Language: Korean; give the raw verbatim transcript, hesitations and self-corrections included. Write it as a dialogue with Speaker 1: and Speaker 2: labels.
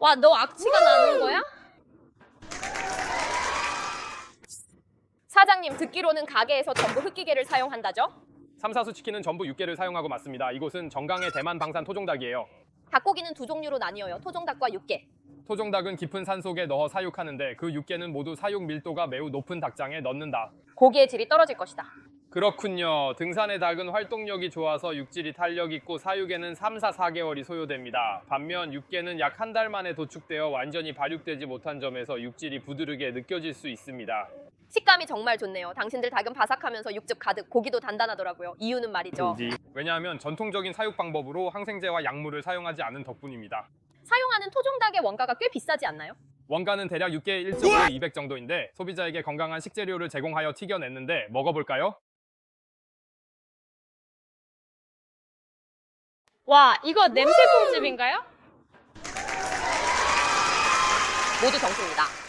Speaker 1: 와, 너 악취가 나는 거야? 사장님, 듣기로는 가게에서 전부 흑기계를 사용한다죠?
Speaker 2: 삼사수 치킨은 전부 육개를 사용하고 맞습니다. 이곳은 정강의 대만 방산 토종닭이에요.
Speaker 1: 닭고기는 두 종류로 나뉘어요. 토종닭과 육개.
Speaker 2: 토종닭은 깊은 산 속에 넣어 사육하는데 그 육개는 모두 사육 밀도가 매우 높은 닭장에 넣는다.
Speaker 1: 고기의 질이 떨어질 것이다.
Speaker 2: 그렇군요. 등산의 닭은 활동력이 좋아서 육질이 탄력 있고 사육에는 삼, 사, 사 개월이 소요됩니다. 반면 육개는 약 한 달 만에 도축되어 완전히 발육되지 못한 점에서 육질이 부드르게 느껴질 수 있습니다.
Speaker 1: 식감이 정말 좋네요. 당신들 닭은 바삭하면서 육즙 가득, 고기도 단단하더라고요. 이유는 말이죠.
Speaker 2: 왜냐하면 전통적인 사육 방법으로 항생제와 약물을 사용하지 않은 덕분입니다.
Speaker 1: 사용하는 토종닭의 원가가 꽤 비싸지 않나요?
Speaker 2: 원가는 대략 육개 일 점 오에 이백 정도인데 소비자에게 건강한 식재료를 제공하여 튀겨냈는데 먹어볼까요?
Speaker 3: 와, 이거 냄새콩집인가요?
Speaker 1: 모두 정수입니다.